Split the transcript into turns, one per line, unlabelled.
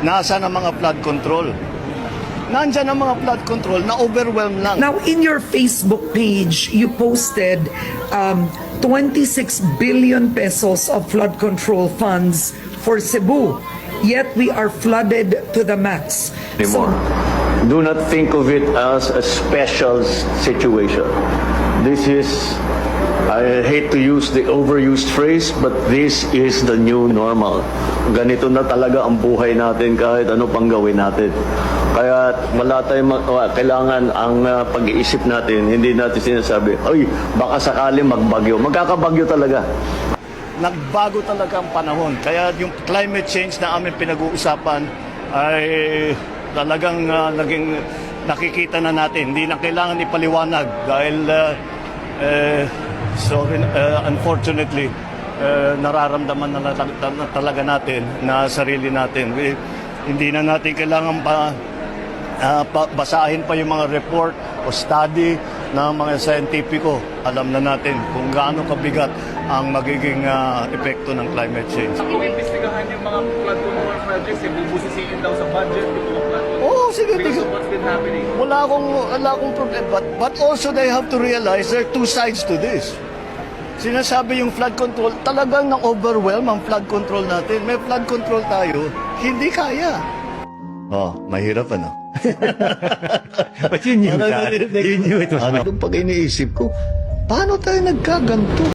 Nasaan ang mga flood control? Nandyan ang mga flood control na overwhelmed lang.
Now, in your Facebook page, you posted 26 billion pesos of flood control funds for Cebu. Yet we are flooded to the max.
Anymore. Do not think of it as a special situation. This is, I hate to use the overused phrase, but this is the new normal. Ganito na talaga ang buhay natin kahit ano pang gawin natin. Kaya wala tayong kailangan ang pag-iisip natin, hindi natin sinasabi, ay, baka sakali magbagyo. Magkakabagyo talaga.
Nagbago talaga ang panahon. Kaya yung climate change na aming pinag-uusapan ay talagang naging nakikita na natin. Hindi na kailangan ipaliwanag dahil unfortunately nararamdaman na talaga natin na sarili natin. Hindi na natin kailangan basahin pa yung mga report o study ng mga scientifico. Alam na natin kung gaano kabigat ang magiging epekto ng climate change.
Kung imbestigahan yung mga flood control projects, bubusisiin daw sa budget yung mga flood control.
Oo, sige.
Because of what's been happening.
Wala akong problema. But also they have to realize there are two sides to this. Sinasabi yung flood control, talagang na-overwhelm ang flood control natin. May flood control tayo, hindi kaya. Oh, mahirap ano?
But you knew that. You knew it was
Pag iniisip ko, paano tayo nagkaganto?